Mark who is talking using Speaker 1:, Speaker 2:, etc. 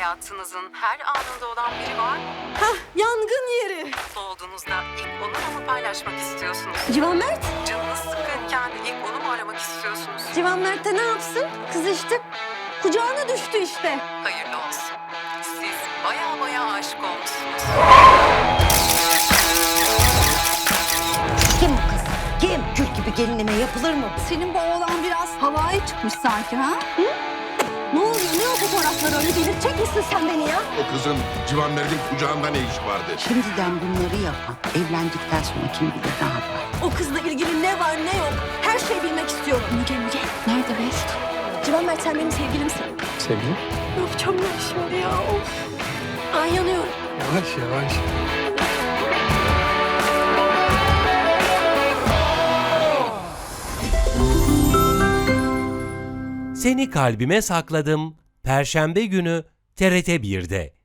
Speaker 1: Hayatınızın her anında olan biri var mı?
Speaker 2: Hah, yangın yeri.
Speaker 1: Mutlu olduğunuzda ilk onunla mı paylaşmak istiyorsunuz?
Speaker 2: Civan Mert.
Speaker 1: Canınız sıkkınken ilk onu mu aramak istiyorsunuz?
Speaker 2: Civan Mert de ne yapsın? Kız işte kucağına düştü işte.
Speaker 1: Hayırlı olsun. Siz baya aşık olmuşsunuz.
Speaker 3: Kim bu kız? Kim? Kül gibi gelinime yapılır mı?
Speaker 2: Senin bu oğlan biraz havaya çıkmış sanki ha? Hı? Ne oluyor? Ne o fotoğraflar öyle? Delirtecek misin sen beni ya?
Speaker 4: O kızın Civan Mert'in kucağında ne işi vardı?
Speaker 3: Şimdiden bunları yapan evlendikten sonra kim bilir ne yapar?
Speaker 2: O kızla ilgili ne var ne yok? Her şeyi bilmek istiyorum. Müge. Nerede Best? Civan Mert sen benim sevgilimsin.
Speaker 5: Sevgilim.
Speaker 2: Ne yapacağım ben şimdi ya? Of. Ay yanıyorum.
Speaker 5: Yavaş yavaş.
Speaker 6: Seni Kalbime Sakladım Perşembe günü TRT 1'de.